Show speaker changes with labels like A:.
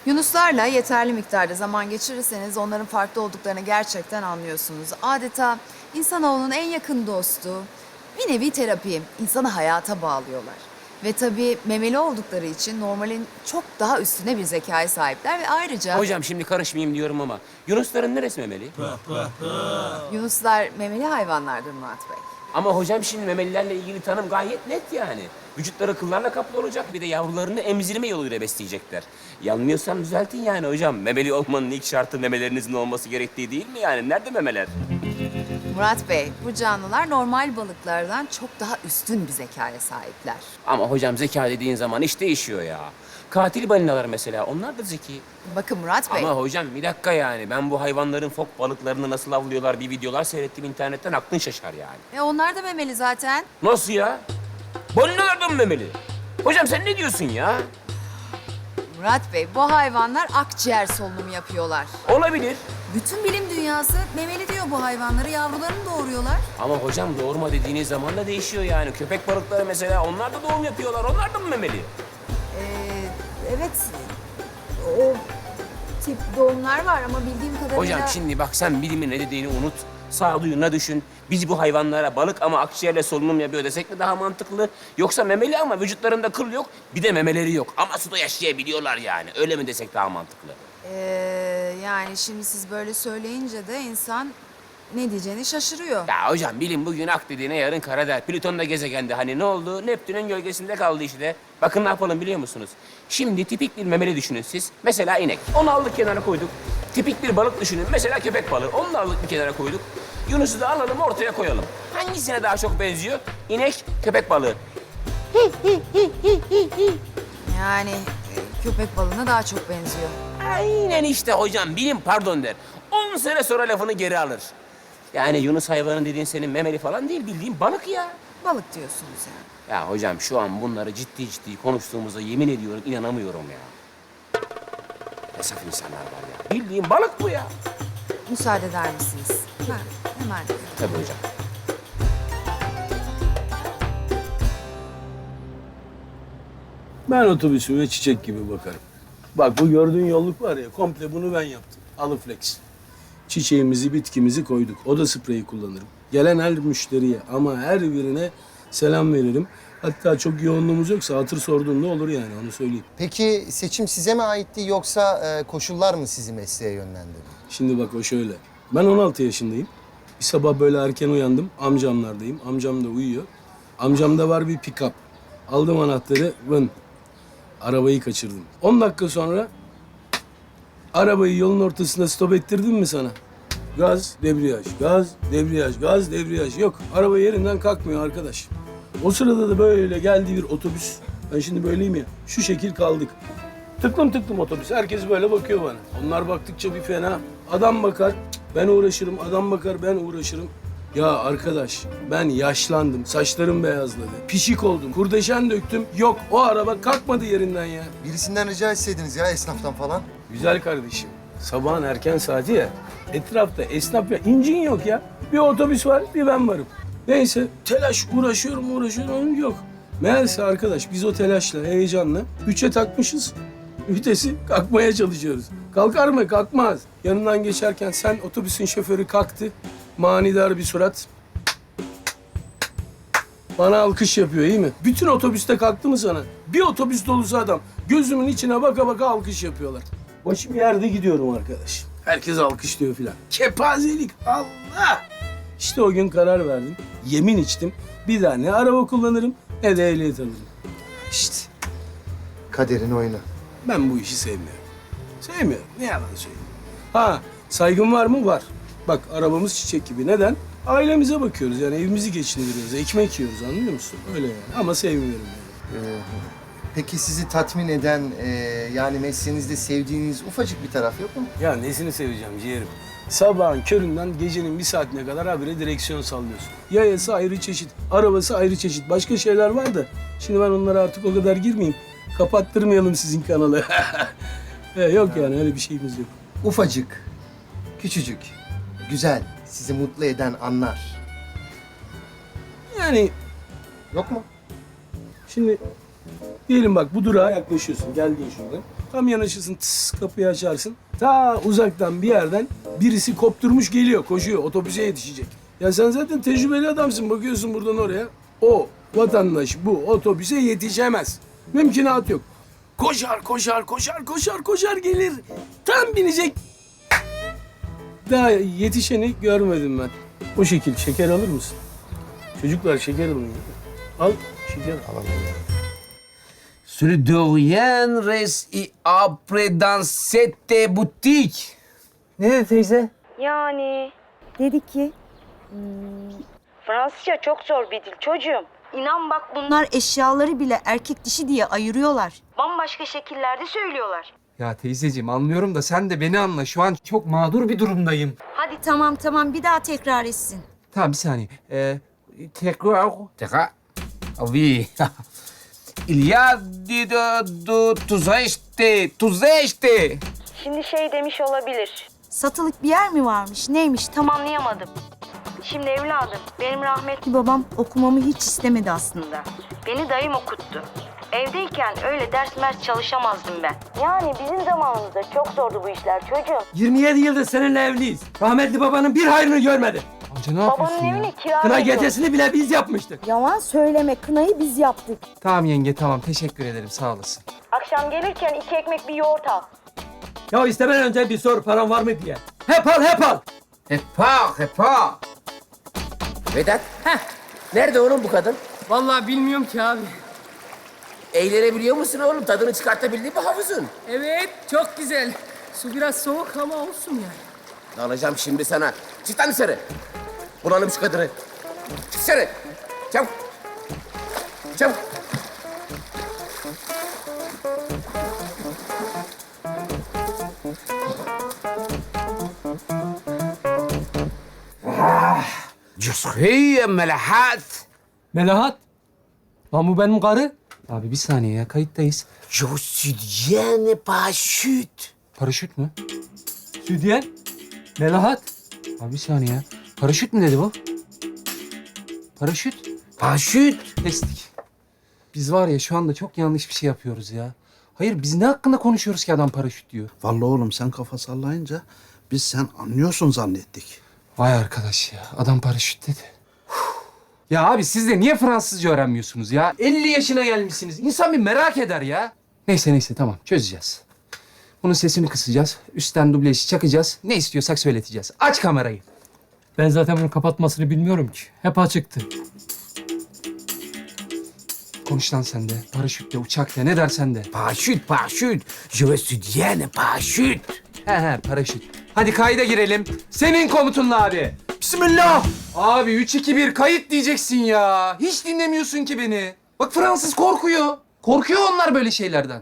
A: Yunuslarla yeterli miktarda zaman geçirirseniz onların farklı olduklarını gerçekten anlıyorsunuz. Adeta insanoğlunun en yakın dostu, bir nevi terapi, insanı hayata bağlıyorlar. Ve tabii memeli oldukları için normalin çok daha üstüne bir zekaya sahipler ve ayrıca
B: Hocam şimdi karışmayayım diyorum ama Yunusların neresi memeli?
A: Yunuslar memeli hayvanlardır Murat Bey.
B: Ama hocam şimdi memelilerle ilgili tanım gayet net yani. Vücutları kıllarla kaplı olacak, bir de yavrularını emzirme yoluyla besleyecekler. Yanılmıyorsam düzeltin yani hocam. Memeli olmanın ilk şartı memelerinizin olması gerektiği değil mi yani? Nerede memeler?
A: Murat Bey, bu canlılar normal balıklardan çok daha üstün bir zekaya sahipler.
B: Ama hocam zeka dediğin zaman iş değişiyor ya. Katil balinalar mesela, onlar da zeki.
A: Bakın Murat Bey,
B: Ama hocam bir dakika yani. Ben bu hayvanların fok balıklarını nasıl avlıyorlar bir videolar seyrettim internetten, aklın şaşar yani.
A: onlar da memeli zaten.
B: Nasıl ya? Balinalar da mı memeli? Hocam sen ne diyorsun ya?
A: Murat Bey, bu hayvanlar akciğer solunumu yapıyorlar.
B: Olabilir.
A: Bütün bilim dünyası memeli diyor bu hayvanları, yavrularını doğuruyorlar.
B: Ama hocam doğurma dediğiniz zaman da değişiyor yani. Köpek balıkları mesela, onlar da doğum yapıyorlar. Onlar da mı memeli?
A: Evet, o tip doğumlar var ama bildiğim kadarıyla...
B: Hocam şimdi bak, sen bilimin ne dediğini unut. Sağduyuna düşün. Biz bu hayvanlara balık ama akciğerle solunum yapıyor desek mi daha mantıklı? Yoksa memeli ama vücutlarında kıl yok, bir de memeleri yok. Ama suda yaşayabiliyorlar yani. Öyle mi desek daha mantıklı?
A: Yani şimdi siz böyle söyleyince de insan ne diyeceğini şaşırıyor.
B: Ya hocam bilim bugün ak dediğine yarın kara der. Plüton da gezegendi. Hani ne oldu? Neptün'ün gölgesinde kaldı işte. Bakın ne yapalım biliyor musunuz? Şimdi tipik bir memeli düşünün siz. Mesela inek. Onu aldık kenara koyduk. Tipik bir balık düşünün. Mesela köpek balığı. Onu da aldık bir kenara koyduk. Yunus'u da alalım ortaya koyalım. Hangisine daha çok benziyor? İnek, köpek balığı.
A: Yani köpek balığına daha çok benziyor.
B: Aynen işte hocam. Bilim pardon der. 10 sene sonra lafını geri alır. Yani Yunus hayvanı dediğin senin memeli falan değil, bildiğin balık ya.
A: Balık diyorsunuz yani.
B: Ya hocam şu an bunları ciddi ciddi konuştuğumuza yemin ediyorum inanamıyorum ya. Ne saf insanlar var ya. Bildiğin balık bu ya.
A: Müsaade eder misiniz? Hemen.
B: Tabii hocam.
C: Ben otobüsüme çiçek gibi bakarım. Bak bu gördüğün yolluk var ya, komple bunu ben yaptım. Alıflex. Çiçeğimizi, bitkimizi koyduk. Oda spreyi kullanırım. Gelen her müşteriye ama her birine selam veririm. Hatta çok yoğunluğumuz yoksa hatır sorduğumda olur yani, onu söyleyeyim.
D: Peki seçim size mi aitti yoksa koşullar mı sizi mesleğe yönlendirdi?
C: Şimdi bak o şöyle. Ben 16 yaşındayım. Bir sabah böyle erken uyandım. Amcamlardayım. Amcam da uyuyor. Amcamda var bir pick-up. Aldım anahtarı, vın. Arabayı kaçırdım. 10 dakika sonra arabayı yolun ortasında stop ettirdim mi sana? Gaz, debriyaj, gaz, debriyaj, gaz, debriyaj. Yok, araba yerinden kalkmıyor arkadaş. O sırada da böyle geldi bir otobüs. Ben şimdi böyleyim ya, şu şekil kaldık. Tıklım tıklım otobüs. Herkes böyle bakıyor bana. Onlar baktıkça bir fena. Adam bakar, ben uğraşırım. Adam bakar, ben uğraşırım. Ya arkadaş, ben yaşlandım. Saçlarım beyazladı. Pişik oldum. Kurdeşen döktüm. Yok, o araba kalkmadı yerinden ya.
D: Birisinden rica etseydiniz ya, esnaftan falan.
C: Güzel kardeşim. Sabahın erken saati ya. Etrafta esnaf ya. İncin yok ya. Bir otobüs var, bir ben varım. Neyse, telaş uğraşıyorum. Yok. Meğerse arkadaş biz o telaşla, heyecanla 3'e takmışız. Vitesi kalkmaya çalışıyoruz. Kalkar mı? Kalkmaz. Yanından geçerken sen otobüsün şoförü kalktı. Manidar bir surat. Bana alkış yapıyor, iyi mi? Bütün otobüste kalktı mı sana? Bir otobüs dolusu adam. Gözümün içine baka baka alkış yapıyorlar. Başım yerde gidiyorum arkadaş. Herkes alkışlıyor filan. Kepazelik, Allah! İşte o gün karar verdim. Yemin içtim. Bir daha ne araba kullanırım ne de ehliyet alırım.
D: İşte kaderin oyunu.
C: Ben bu işi sevmiyorum. Sevmiyorum. Ne yalan söyleyeyim. Ha, saygım var mı? Var. Bak arabamız çiçek gibi. Neden? Ailemize bakıyoruz yani, evimizi geçindiriyoruz. Ekmek yiyoruz, anlıyor musun? Öyle yani. Ama sevmiyorum yani.
D: Peki sizi tatmin eden, yani mesleğinizde sevdiğiniz ufacık bir taraf yok mu?
C: Ya nesini seveceğim ciğerim? Sabahın köründen gecenin bir saatine kadar habire direksiyon sallıyorsun. Yayası ayrı çeşit, arabası ayrı çeşit. Başka şeyler var da şimdi ben onlara artık o kadar girmeyeyim. Kapattırmayalım sizin kanalı. Yok yani, öyle bir şeyimiz yok.
D: Ufacık, küçücük, güzel, sizi mutlu eden anlar.
C: Yani
D: Yok mu?
C: şimdi diyelim bak, bu durağa yaklaşıyorsun. Geldin şuradan. Tam yanaşırsın, tıs, kapıyı açarsın. Ta uzaktan bir yerden birisi kopturmuş geliyor, koşuyor. Otobüse yetişecek. Ya sen zaten tecrübeli adamsın. Bakıyorsun buradan oraya. O vatandaş bu otobüse yetişemez. Mümkünat yok. Koşar gelir. Tam binecek. Daha yetişeni görmedim ben. O şekil. Şeker alır mısın? Çocuklar şeker alın. Al şeker. Alalım.
E: Celui de rien reste et après dans cette boutique.
F: Ne dedi teyze?
G: Yani dedi ki Fransızca çok zor bir dil çocuğum. İnan bak bunlar eşyaları bile erkek dişi diye ayırıyorlar. Bambaşka şekillerde söylüyorlar.
F: Ya teyzeciğim anlıyorum da sen de beni anla. Şu an çok mağdur bir durumdayım.
G: Hadi tamam bir daha tekrar etsin.
F: Tamam bir saniye. Tekrar.
E: Tekrar. Ah oui. Il y a de touristes.
G: Şimdi şey demiş olabilir. Satılık bir yer mi varmış neymiş tam anlayamadım. Şimdi evladım benim rahmetli babam okumamı hiç istemedi aslında. Beni dayım okuttu. Evdeyken öyle ders mers çalışamazdım ben. Yani bizim zamanımızda çok zordu bu işler çocuğum.
H: 27 yıldır seninle evliyiz. Rahmetli babanın bir hayrını görmedi.
F: Amca ne yapıyorsun
G: Babanın
F: ya?
G: evini kira
H: Kına
G: veriyor.
H: gecesini bile biz yapmıştık.
G: Yalan söyleme kınayı biz yaptık.
F: Tamam yenge tamam. Teşekkür ederim sağ olasın.
G: Akşam gelirken 2 ekmek bir yoğurt al.
H: Ya istemeden önce bir sor paran var mı diye. Hep al.
E: Repars.
B: Vedat. Nerede oğlum bu kadın?
I: Vallahi bilmiyorum ki abi.
B: Eğlenebiliyor musun oğlum? Tadını çıkartabildin mi havuzun?
I: Evet, çok güzel. Su biraz soğuk ama olsun yani.
B: Alacağım şimdi sana. Çık lan dışarı. Bulalım şu kadını. Çık dışarı. Çabuk. Çabuk.
E: Je suis Melahat.
H: Melahat. Lan bu benim karı.
F: Abi bir saniye ya kayıttayız.
E: Je suis bien parachute.
F: Paraşüt mü?
H: Südyen. Melahat.
F: Abi bir saniye ya. Paraşüt mü dedi bu? Paraşüt.
E: Parachute.
F: Kestik. Biz var ya şu anda çok yanlış bir şey yapıyoruz ya. Hayır biz ne hakkında konuşuyoruz ki adam paraşüt diyor.
J: Vallahi oğlum sen kafa sallayınca biz sen anlıyorsun zannettik.
F: Vay arkadaş ya adam paraşüt dedi. Ya abi siz de niye Fransızca öğrenmiyorsunuz ya? 50 yaşına gelmişsiniz. İnsan bir merak eder ya. Neyse tamam çözeceğiz. Bunun sesini kısacağız. Üstten dublajı çakacağız. Ne istiyorsak söyleteceğiz. Aç kamerayı.
H: Ben zaten bunu kapatmasını bilmiyorum ki. Hep açıktı.
F: Konuş lan sen de. Paraşütle, uçakla ne dersen de.
E: Parachute. Je suis bien parachute.
F: He paraşüt. Hadi kayda girelim. Senin komutunla abi.
H: Bismillah.
F: Abi 3-2-1 kayıt diyeceksin ya. Hiç dinlemiyorsun ki beni. Bak Fransız korkuyor. Korkuyor onlar böyle şeylerden.